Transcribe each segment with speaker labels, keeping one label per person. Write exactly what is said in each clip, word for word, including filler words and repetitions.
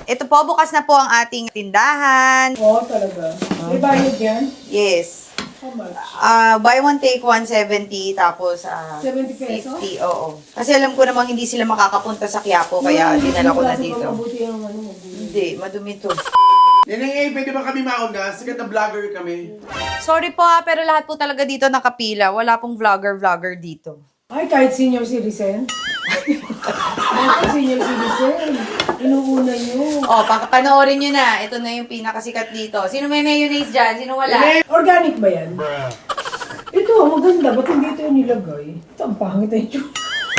Speaker 1: Ito po, bukas na po ang ating tindahan.
Speaker 2: Oo, talaga. May bayad yan?
Speaker 1: Yes.
Speaker 2: How much?
Speaker 1: Uh, buy one, take one, seventy. Tapos, uh,
Speaker 2: seventy pesos?
Speaker 1: fifty. Oo. Kasi alam ko namang hindi sila makakapunta sa Quiapo, kaya dinala ko na dito.
Speaker 2: Mabuti ang ano, mabuti.
Speaker 1: Hindi, madumi to.
Speaker 3: Neneng A, pwede ba kami mauna? Sikat na vlogger kami.
Speaker 1: Sorry po ha, pero lahat po talaga dito nakapila. Wala pong vlogger-vlogger dito.
Speaker 2: Ay, kahit senior citizen? Kahit senior citizen? Inuuna nyo.
Speaker 1: Oh, papanoorin nyo na. Ito na yung pinakasikat dito. Sino may mayonnaise dyan? Sino wala?
Speaker 2: Organic ba yan? Ito, maganda. Ba't hindi ito yung nilagay? Ito, ang pangit na ito.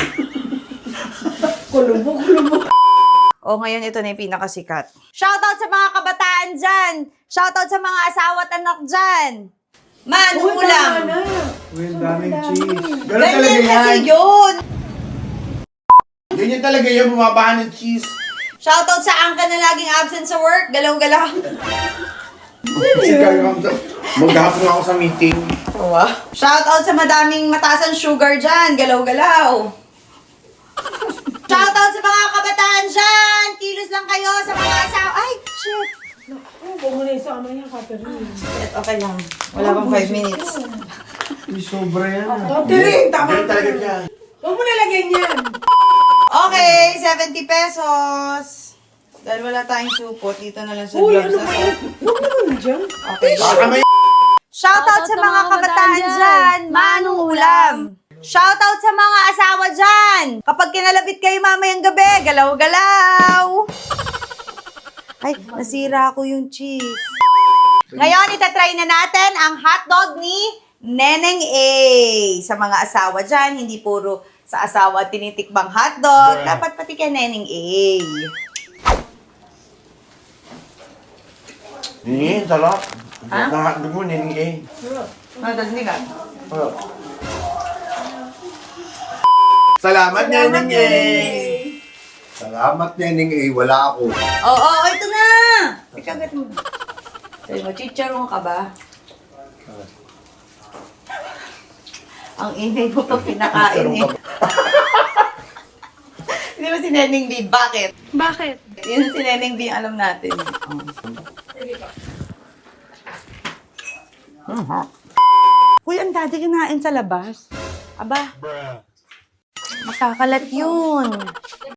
Speaker 2: Kulubo, kulubo.
Speaker 1: Oh, ngayon ito na yung pinakasikat. Shoutout sa mga kabataan dyan! Shoutout sa mga asawa at anak dyan! Man,
Speaker 2: Uy,
Speaker 1: ulam!
Speaker 2: tama na.
Speaker 3: Uy, ang
Speaker 2: Sobrang
Speaker 3: daming
Speaker 2: dami.
Speaker 3: cheese. Ganun talaga
Speaker 1: Ganyan kasi
Speaker 3: yan.
Speaker 1: yun!
Speaker 3: Ganyan talaga yan, bumabahan ng cheese.
Speaker 1: Shoutout sa angka na laging absent sa work. Galaw-galaw.
Speaker 3: Kasi kayo maghapon ako sa meeting.
Speaker 1: Wow. Shoutout sa madaming mataas ang sugar dyan. Galaw-galaw. Shoutout sa mga kabataan dyan. Kilos lang kayo sa mga asawa. Ay, shit.
Speaker 2: Oh, huwag mo na isama niya, Catherine.
Speaker 1: Shit, okay lang. Wala pang five minutes.
Speaker 3: Uy, sobra yan.
Speaker 2: Catherine, tama
Speaker 3: Ganyan talaga yan.
Speaker 2: Huwag mo nalagyan yan.
Speaker 1: Okay, seventy pesos. Dahil wala tayong supot, dito na lang sa
Speaker 2: Uy,
Speaker 1: gloves
Speaker 2: ano
Speaker 1: na
Speaker 2: ba yan? Huwag naman dyan.
Speaker 1: Okay.
Speaker 3: Baka may
Speaker 1: Shoutout sa mga kabataan dyan. Manong ulam. Shoutout sa mga asawa dyan. Kapag kinalabit kayo mamayang gabi, galaw-galaw. Ay, nasira ko yung cheese. Ngayon, itatry na natin ang hotdog ni Neneng A. Sa mga asawa dyan, hindi puro sa asawa tinitikbang hotdog. Dapat pati kay Neneng A.
Speaker 3: Neneng, sarap.
Speaker 1: Ha?
Speaker 3: Nakahagdag mo, Neneng A.
Speaker 1: Hotdog ni ka?
Speaker 3: Sarap. Salamat, Neneng A.
Speaker 4: Salamat, Neneng A. Wala ako.
Speaker 1: Oo, oh, oh, ito na! Ikagat mo. Sabi mo, chicharon ka ba? Ang ingay mo pa pinakain eh. Hindi ba si Neneng B? Bakit?
Speaker 5: Bakit?
Speaker 1: Yun si Neneng B ang alam natin. Oh. Uy, ang dati kinain sa labas. Aba, makakalat yun.